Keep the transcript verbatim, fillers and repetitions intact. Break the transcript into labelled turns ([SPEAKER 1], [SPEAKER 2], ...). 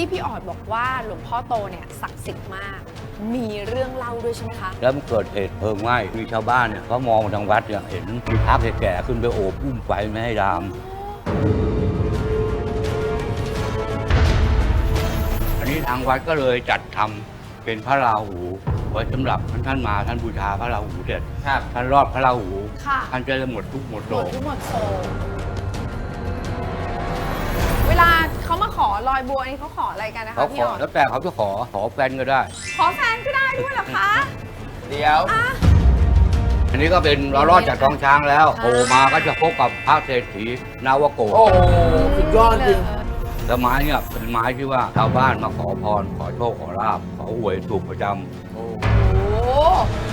[SPEAKER 1] ที่พี่ออดบอกว่าหลวงพ่อโตเนี่ยศักดิ์สิทธิ์มาก มีเรื่องเล่าด้วยใช่ไหมคะ
[SPEAKER 2] แล้วมันเกิดเหตุเพลิงไหม้มีชาวบ้านเนี่ยเขามองมาทางวัดเนี่ยเห็นมีพระแก่ๆขึ้นไปโอบอุ้มไฟไม่ให้ลาม อันนี้ทางวัดก็เลยจัดทำเป็นพระราหูไว้สำหรับท่านมาท่านบูชาพระราหูเสร็จท่านรอดพระราหูท่านจะได้หมดทุกข์หมดโศก
[SPEAKER 1] ทุกหมดโศกเวลาเขามาขอลอยบัวนี่เขาขออะไรกันนะคะ
[SPEAKER 2] เขาข
[SPEAKER 1] พี่
[SPEAKER 2] อ
[SPEAKER 1] ออด
[SPEAKER 2] แล้วแต่เขาจะขอขอแฟนก็ได้
[SPEAKER 1] ขอแฟนก็ได้ด้วยเหรอคะ
[SPEAKER 3] เดี๋ยว
[SPEAKER 1] อ่ะ
[SPEAKER 2] อันนี้ก็เป็นเรารอดจากท้องช้างแล้วโผล่มาก็จะพบกับพระเศรษฐีนาวโก
[SPEAKER 3] โอ้โหสุดยอดจริง
[SPEAKER 2] แล้วไม้เนี่ยเป็นไม้ที่ว่าชาวบ้านมาขอพรขอโชคขอลาบขอหวยถูกประจำ
[SPEAKER 3] โอ้
[SPEAKER 1] โอ้